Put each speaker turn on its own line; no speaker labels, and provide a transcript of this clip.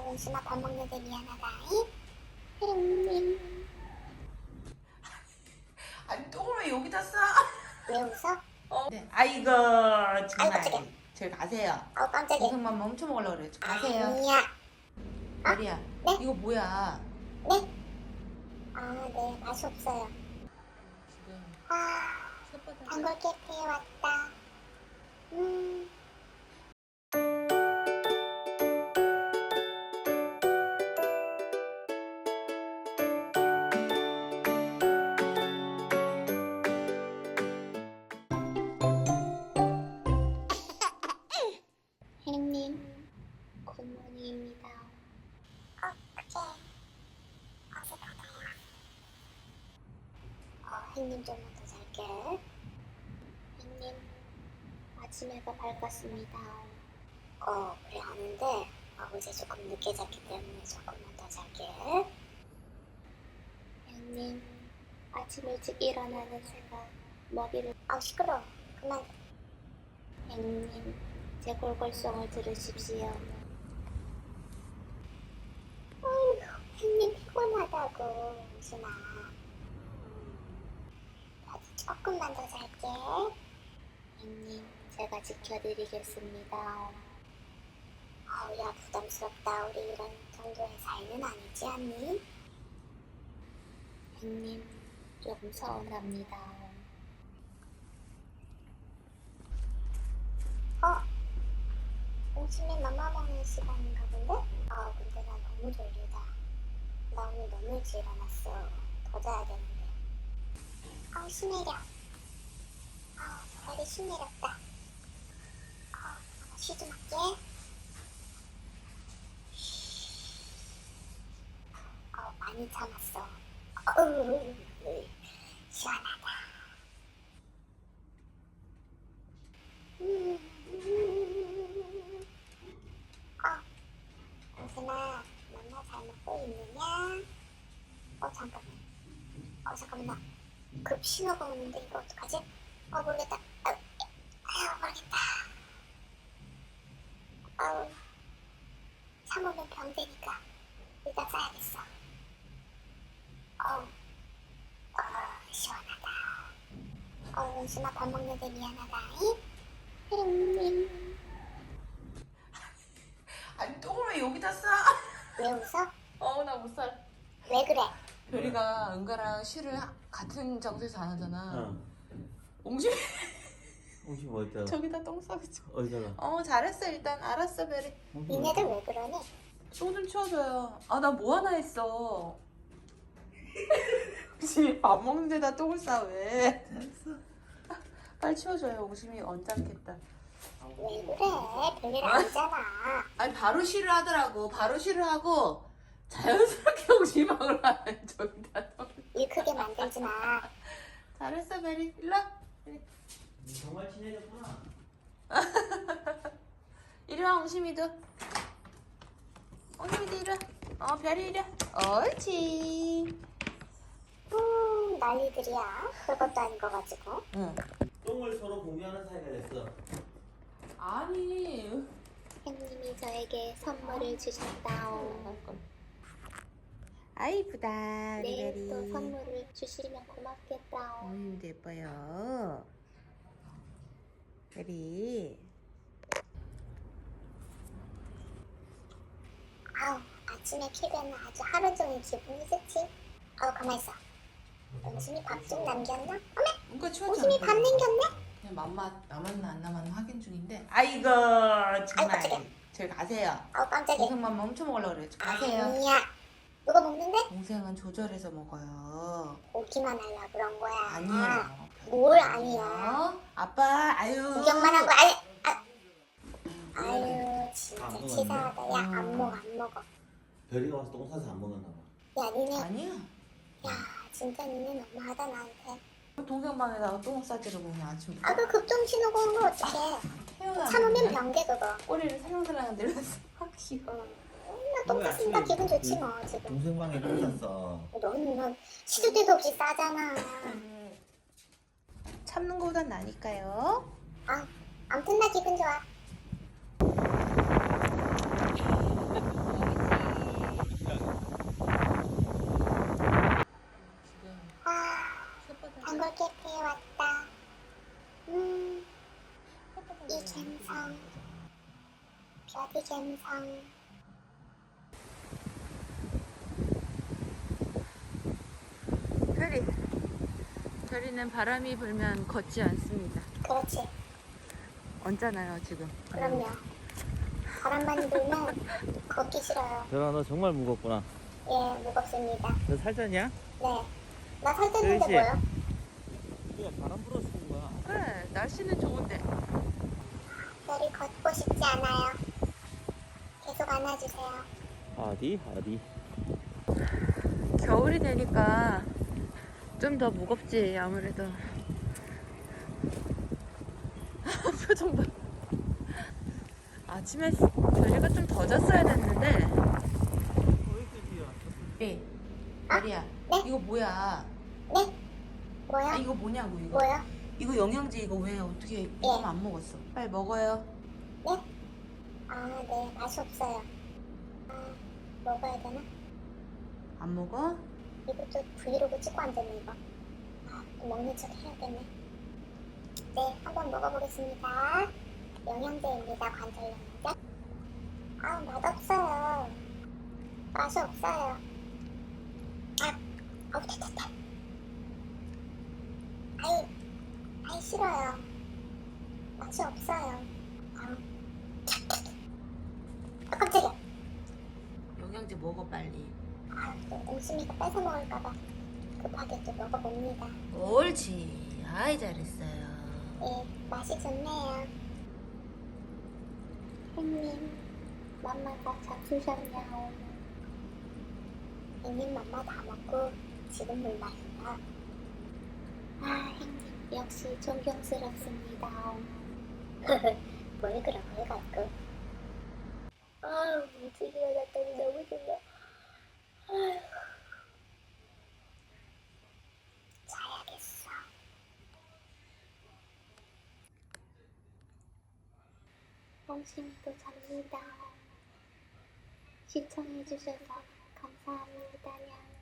은순아 밥 먹는데 미안하다. 혜림님.
아니 똥을 왜 여기다 싸?
왜 웃어?
네. 아이고
아이고,
정말.
깜짝이야.
저기 가세요.
깜짝이야.
고생만 멈춰 먹으려고 그래. 가세요.
아니야.
별이야.
네?
이거 뭐야?
네? 네. 맛이 없어요. 단골 캐페에 왔다. 혜림님, 굿모닝입니다. 그게 어색하다요. 혜림님 좀만 더 잘게. 혜림님, 아침 해가 밝았습니다. 그래 아는데 어제 조금 늦게 잤기 때문에 조금만 더 잘게. 혜림님, 아침 일찍 일어나는 생각 먹이를... 시끄러워. 그만. 혜림님, 제 골골송을 들으십시오. 혜님 피곤하다고, 은순아. 아주 조금만 더 잘게. 혜님, 제가 지켜드리겠습니다. 야, 부담스럽다. 우리 이런 정도의 사이는 아니지 않니? 혜님, 조금 서운합니다. 점심에 맘마 먹는 시간인가 본데? 근데 나 너무 졸리다. 나 오늘 너무 일찍 일어났어. 더 자야 되는데. 신내려. 다리 신내렸다. 쉬 좀 할게. 많이 참았어. 시원하다. 은순아, 맘마 잘 먹고 있느냐? 잠깐만. 나 급 신호가 오는데 이거 어떡하지? 모르겠다. 모르겠다. 참으면 병 되니까 일단 싸야겠어. 시원하다. 은순아 밥 먹는데 미안하다. 혜림님.
아니 똥을 왜 여기다 싸?
왜 웃어?
나 못 살아.
왜 그래?
별이가 은가랑 쉬를 같은 장소에서 안 하잖아.
응.
옹심이
혹시 뭐 있다?
저기다 똥 싸겠죠.
어디다가?
잘했어. 일단 알았어 별이.
니네들 왜 그러니?
똥 좀 치워줘요. 나 뭐 하나 했어. 혹시 밥 먹는 데다 똥을 싸 왜? 빨리 치워줘요. 옹심이 언짢겠다.
왜 그래? 별일 아니잖아.
아니 바로 쉬를 하더라고. 바로 쉬를 하고 자연스럽게 옹심방을 하는 저기다 똥.
일 크게 만들지 마.
잘했어 베리. 일로 와.
정말 친해졌구나.
이리 와 옹심이도. 옹심이도 이리 와. 별이 이리 와. 옳지.
난리들이야. 별것도 아닌 거 가지고.
응.
똥을 서로 공유하는 사이가 됐어.
아니.
혜님이 저에게 선물을 주셨다오.
아이쁘다 우리
내일 또
베리.
선물을 주시면 고맙겠다오.
옹심이도 예뻐요. 베리.
아침에 키면 아주 하루 종일 기분이 좋지. 가만 있어. 은순이 밥 좀 남겼나? 어메!
뭔가 치웠잖아.
은순이 밥 남겼네?
그냥 남았나 안 남았나 확인 중인데. 아이고 정말.
깜짝이야.
저기 가세요.
깜짝이야.
고생만 멈춰 먹으려고 그래. 가세요.
아니야. 누가 먹는데?
동생은 조절해서 먹어요.
오기만 하려고 그런 거야.
아니에요.
뭘 아니야.
아빠 아유.
구경만 한 거 아유 진짜
안
치사하다. 야,
음.
안 먹어.
별이가 와서 똥 싸서 안 먹었나 봐.
야, 니네.
아니야.
야, 진짜 니네 너무하다 나한테.
동생 방에다가 똥 싸지를 그냥 아침.
그 급동 신호가 온 거 어떡해.
태어나.
참으면 병돼 그거.
꼬리를 살랑살랑 내렸어. 귀여워.
나똥 쌌으니까 기분 좋지 뭐 지금.
동생 방에 똥 쌌어.
넌 시도 때도 없이 싸잖아.
참는 거보단 나니까요.
아무튼 나 기분 좋아. 아기 갬성.
별이는 바람이 불면 걷지 않습니다.
그렇지.
얹잖아요 지금.
그럼요. 바람만 불면 걷기 싫어요.
별아 너 정말 무겁구나.
예, 무겁습니다.
너 살쪘냐?
네. 나 살 쪘는데
그렇지.
뭐요?
우리가 바람 불어 쓰는 거야.
그래 날씨는 좋은데.
별이 걷고 싶지 않아요. 계속 안아주세요.
어디?
겨울이 되니까 좀 더 무겁지 아무래도. 표정 봐. 아침에 별이가 좀 더 잤어야 됐는데. 네. 별이야.
네?
이거 뭐야?
네? 뭐요?
아, 이거 뭐냐고 이거.
뭐요?
이거 영양제 이거 왜 어떻게 이거만 안 먹었어? 빨리 먹어요.
네? 아, 네. 맛이 없어요. 아, 먹어야 되나?
안 먹어?
이것도 브이로그 찍고 앉았네, 이거. 아, 또 먹는 척 해야겠네. 네, 한번 먹어보겠습니다. 영양제입니다, 관절 영양제. 아, 맛없어요. 맛이 없어요. 아, 아우, 됐다. 아이, 싫어요. 맛이 없어요. 아, 깜짝이야.
영양제 먹어 빨리.
아, 또 옹심이가 뺏어 먹을까봐 급하게 또 먹어봅니다.
옳지. 아이 잘했어요.
예, 맛이 좋네요. 형님, 맘마가 잡수셨냐오. 형님 맘마 다 먹고 지금 몰라요. 아, 형님 역시 존경스럽습니다. 뭘 그런 걸 갖고. 아, 일찍 일어났더니 너무 졸려. 아휴. 자야겠어. 영심이도 잡니다. 시청해주셔서 감사합니다.